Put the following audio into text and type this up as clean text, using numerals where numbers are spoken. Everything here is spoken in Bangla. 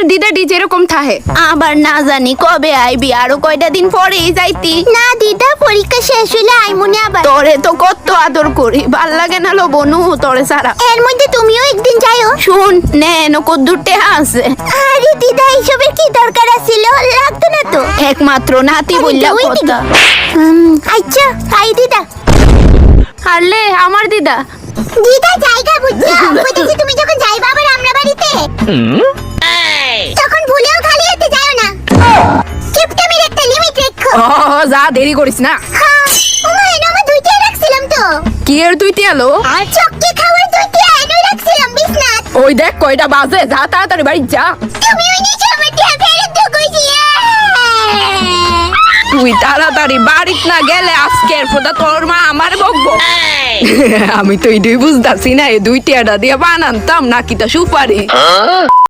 তোর দিদাটি যেরকম থাহে। আবার না জানি কবে আইবি, আরো কয়টা দিন পরেই যাইতি। না দিদা, পরীক্ষা শেষ হইলে আইমুনি আবার। তোরে তো কত আদর করি, ভাল লাগে না লো বনু তোরে সারা। এর মধ্যে তুমিও একদিন যাইও। শুন নে নকো দুটে আছে। আরে দিদা, এইসবের কি দরকার আছিল? লাগতো না তো। একমাত্র নাতি বললা ওই কথা। দিদা। আচ্ছা আই দিদা। আরে আমার দিদা। দিদা জায়গা বুঝছো? বলতেছি তুমি যখন যাইবা আবার আমরা বাড়িতে, তখন ভুলেও খালি হাতে যাও না। কিপটামির একটা লিমিট রেখো। ও যা দেরি করিস না। হ্যাঁ, ওমা এনে আমার দুইটা রাখছিলাম তো। কি এর তুই তিয়ালো? চক্কি খাওয়ার দুইটা এনে রাখছিলাম বিছনাত। ওই দেখ কয়টা বাজে, যা তাড়াতাড়ি বাড়ি যা। তুমি ওই নিচে আমার টিয়া ফেরত দাও কইছি। তুই তাড়াতাড়ি বাড়িত না গেলে আজকের ফোটা তোর মা আমার বকবো। আমি তো এটাই বুঝতাছি না, এই দুই টিয়াটা দিয়ে বানানতাম নাকি তা সুপারি।